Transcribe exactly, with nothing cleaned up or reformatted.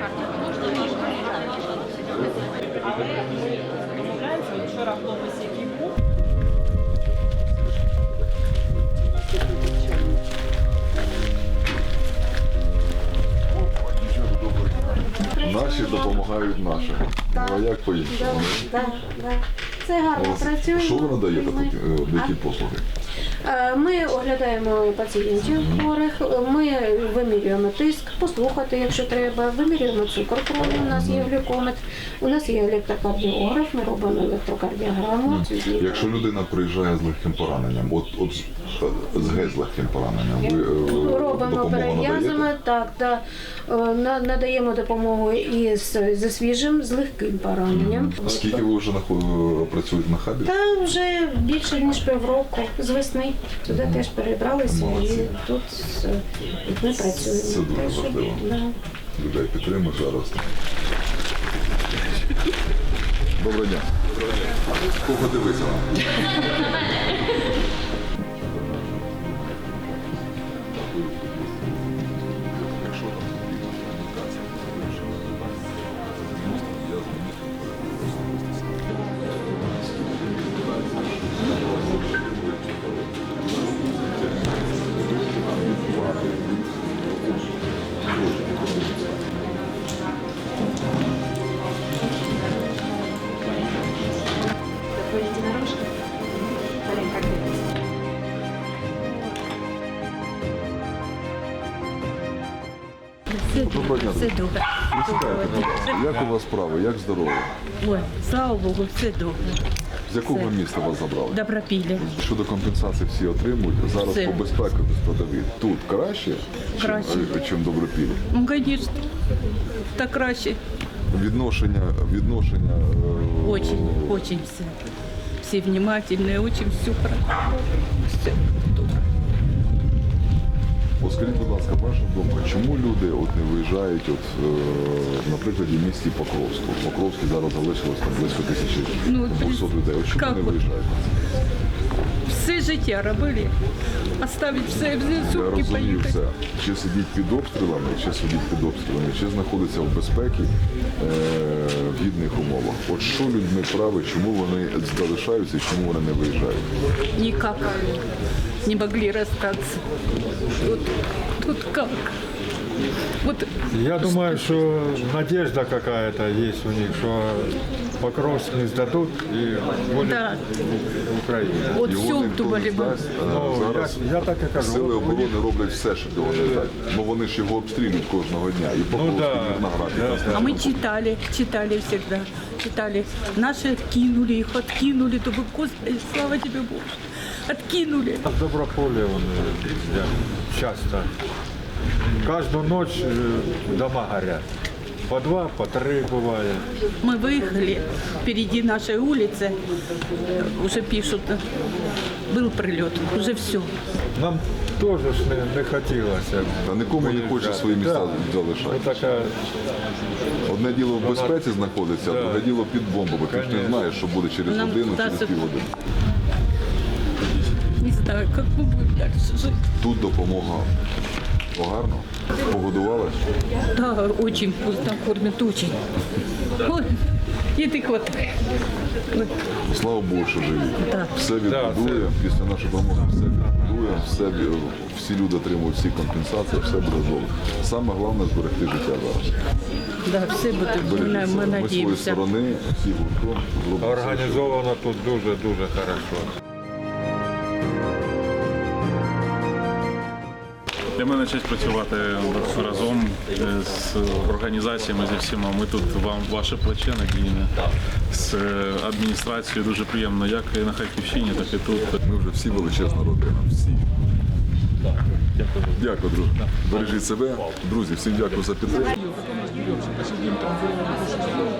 Але ми домовляємося, вчора хлопець, який був. Наші допомагають нашим. Ну а як по-іншому? Так, так. Це гарно працює. Що ви надаєте, які послуги? Ми оглядаємо пацієнтів хворих, ми вимірюємо тиск, послухати, якщо треба, вимірюємо цукор крові, у нас є глюкометр, у нас є електрокардіограф, ми робимо електрокардіограму. Якщо людина приїжджає з легким пораненням, от, от з геть з легким пораненням, ви е, робимо допомогу перев'язами, надаєте? так, так, е, на- надаємо допомогу і з, зі свіжим, з легким пораненням. Скільки ви вже нахо- працюєте на хабі? Та вже більше ніж півроку з весни. Сюди теж перебралися Молодці. і тут е, ми працюємо. Це дуже Так що, важливо. да. Людей підтримують зараз. Доброго дня. Кого дивиться нам? Якщо там потрібна комунікація, я Твої дінорожки? Маленька кількість. Доброго дня. Все добре. Присідайте. Як у вас справи? Як здоров'я? Ой, слава Богу, все добре. З якого міста вас забрали? Добропілля. Щодо компенсації всі отримують. Зараз Все. по безпеці складові. Тут краще, Краще. чим, чим Добропілля. Ну, звісно, так краще. Відношення, відношення е, Очень, очень все. Все внимательные, очень все хорошо. Все добре. От скажіть, будь ласка, ваша думка, чому люди от не виїжджають, от, е, на прикладі в місті Покровську? В Покровській зараз залишилось там близько тисячі Ну, двохсот людей. От чому як не от? виїжджають? Все життя робили. Оставить все, все Я сумки розумію поїхати. все. Чи сидіть під обстрілами, чи сидіть під обстрілами, чи знаходиться в безпеці е, в гідних умовах. От що людьми править, чому вони залишаються і чому вони не виїжджають? Никак не могли расстаться. Тут, тут как? Вот Я думаю, что надежда какая-то есть у них, что Покровск не сдадут и будет Да. Украина. вот Його все ніхто не думали бы. здасть, а Ну, зараз я, я так и кажу. сили Вот у оборони них- роблять все, щоб його не здати. Бо вони ж його обстрілюють кожного дня. І Покровський, да, і Мирноград, і да, Краснодар. А мы читали, читали всегда, читали. Наши откинули их, откинули, то бы, Господи, слава тебе, Боже, откинули. В Доброполе он, э, я часто. Каждую ночь э, дома горят. По два, по три бывает. Мы выехали, впереди нашей улицы, э, уже пишут, э, был прилет, уже все. Нам тоже ж не, не хотелось. Та нікому не хоче свої місця Вот залишати. такая, Одне діло в безпеці знаходиться, а Да. друге діло під бомбами. Ти ж не Конечно. знаєш, що буде через Нам годину, вдасться- через півгодини. Не знаю, как мы будем дальше жить. Тут допомога гарно. Погодували. Да, очень вкусно кормят, очень. Ой, еды хватает. Ой. Слава Богу, що живі. Да. Все відбудує, після нашої допомоги все відбудує, все, ві- всі люди отримують всі компенсації, все буде добре. Саме головне зберегти життя зараз. Да, все будут, мы, Бережіть мы себе. Ми з своєї надеемся. сторони, всі гуртом зробимо все, що- организовано тут дуже-дуже хорошо. Для мене честь працювати разом з організаціями, зі всіма. Ми тут вам ваше плече надійне з адміністрацією. Дуже приємно, як і на Харківщині, так і тут. Ми вже всі величезна родина, всі. Дякую, друже. Бережіть себе. Друзі, всім дякую за підтримку.